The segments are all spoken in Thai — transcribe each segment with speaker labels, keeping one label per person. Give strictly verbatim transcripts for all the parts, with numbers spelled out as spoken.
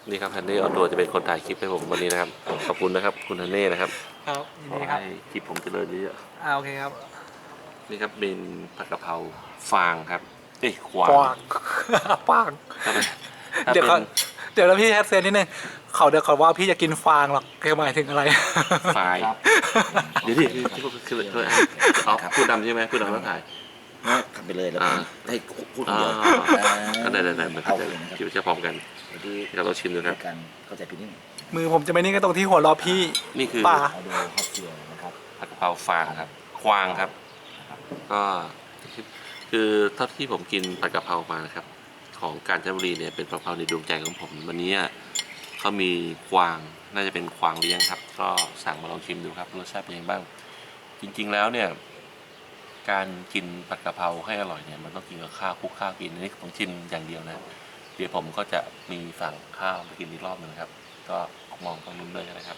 Speaker 1: นี่ครับฮันเน่ออนทัวร์จะเป็นคนถ่ายคลิปให้ผมวันนี้นะครับขอบคุณนะครับคุณฮันเน่นะครับ
Speaker 2: ครับยิน
Speaker 1: ขอ
Speaker 2: ดีครับ
Speaker 1: ให้คลิปผมเจริญเยอะ
Speaker 2: อ่าโอเคครับ
Speaker 1: ๆนี่ครับเป็นผัดกะเพราฟางครับเอ้ยขวา
Speaker 2: ปาง
Speaker 1: ง
Speaker 2: ปาง
Speaker 1: ถ้าเป็นถ้า
Speaker 2: เดี๋ยว
Speaker 1: เป็น
Speaker 2: เขาเดี๋ยวแล้วพี่แฮทเซนนิดนึงเขาเดี๋ยวเขาว่าพี่จะกินฟางหรอกคือหมายถึงอะไร
Speaker 1: ไฟล์
Speaker 3: ครับ
Speaker 1: เดี๋ยวดิคือคือคือคือเอาพูดดำใช่ไหมพูดดำแล้วถ่าย
Speaker 3: ทำไปเลยแล้ว
Speaker 1: อ่า
Speaker 3: ให้พูดคนเดียว
Speaker 1: ก็ได้ได้ได้มัน
Speaker 3: เอา
Speaker 1: จะ
Speaker 3: เลยนะครับ
Speaker 1: คิดว่าจะพร้อมกัน
Speaker 3: เดี๋ยวที่
Speaker 1: เดี๋ยวเราชิมดูครับ
Speaker 3: กันเข้าใจผิดนิดนึง
Speaker 2: มือผมจะไม่นิ่งก็ตรงที่หัวเราะพี่
Speaker 1: นี่คือ
Speaker 2: ป่า
Speaker 3: เอาดูฮอตเซียนะครับ
Speaker 1: ผัดกะเพราฟางครับควางครับ ก็คือเท่าที่ผมกินผัดกะเพรามานะครับ ของกาญจนบุรีเนี่ยเป็นกะเพราในดวงใจของผมวันนี้เขามีควางน่าจะเป็นควางเลี้ยงครับ ก็สั่งมาลองชิมดูครับรสชาติเป็นยังไงบ้าง จริงๆแล้วเนี่ยการกินผัดกะเพราให้อร่อยเนี่ยมันต้องกินกับข้าวคลุกข้าวกินอันนี้ผมชิมอย่างเดียวนะเดี๋ยวผมก็จะมีสั่งข้าวมากินอีกรอบหนึ่งครับ ก็มองตรงนู้นเลยนะครับ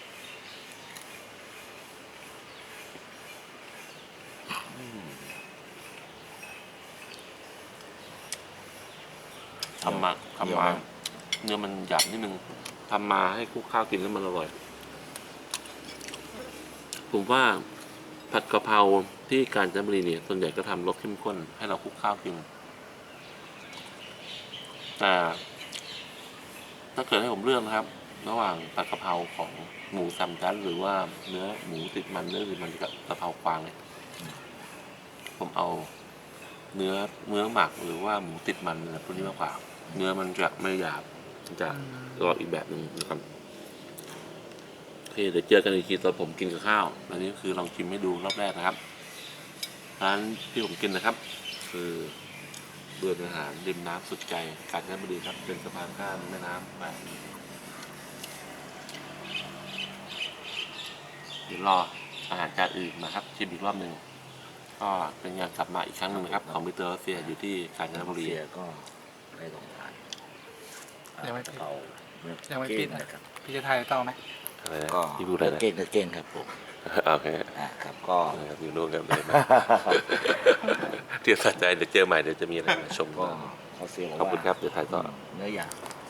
Speaker 1: ทำมาทำมาเนื้อมันหยาบนิดนึงทำมาให้คลุกข้าวกินแล้วมันอร่อย ผมว่าผัดกะเพราที่กาญจนบุรีเนี่ยส่วนใหญ่ก็ทำรสเข้มข้นให้เราคลุกข้าวกินแต่ถ้าเกิดให้ผมเลือกนะครับ ระหว่างผัดกะเพราของหมูสามชั้นหรือว่าเนื้อหมูติดมันเนื้อติดมันกับกะเพราควางเนี่ยผมเอาเนื้อเนื้อหมักหรือว่าหมูติดมันอะไรพวกนี้มากกว่าเนื้อมันจะไม่หยาบมันจะกรอบอีกแบบหนึ่งนะครับโอเคเดี๋ยวเจอกันอีกทีตอนผมกินกับข้าวอันนี้คือลองชิมให้ดูรอบแรกนะครับร้านที่ผมกินนะครับ คือเบือนอาหารริมน้ำสุดใจกาญจนบุรีครับเป็นสะพานข้ามแม่น้ำไปเดี๋ยวรออาหารจานอื่นนะครับชิมอีกรอบหนึ่งก็เป็นงานกลับมาอีกครั้งหนึ่งนะครับของมิสเตอร์รัสเซียอยู่ที่กาญจนบุรี
Speaker 3: เซียก็ได้ลองทาน
Speaker 2: ยังไม่
Speaker 3: กะเพราเนื้อ
Speaker 2: ยังไม่
Speaker 3: เก้
Speaker 2: ปิด
Speaker 3: ง
Speaker 2: นะ
Speaker 3: นะครับ
Speaker 2: พี่จะถ่ายต่อไหม
Speaker 1: อะไรนะ
Speaker 3: ก็
Speaker 1: ที่พูดอะไร
Speaker 3: เนื้อ
Speaker 1: นะ
Speaker 3: เก้งเนื้อเก้งครับผม
Speaker 1: โอเค
Speaker 3: อ่าครับก็
Speaker 1: นะครับอยู่นู่นกันเลยเดี๋ยวสะใจเดี๋ยวเจอใหม่เดี๋ยวจะมีอะไรมาชม
Speaker 3: ก็
Speaker 1: ก็
Speaker 3: เขาเซียบอก
Speaker 1: ขอบคุณ
Speaker 3: ว่า
Speaker 1: ครับเดี๋ยวถ่ายต่อ
Speaker 3: เนื้อหยาบ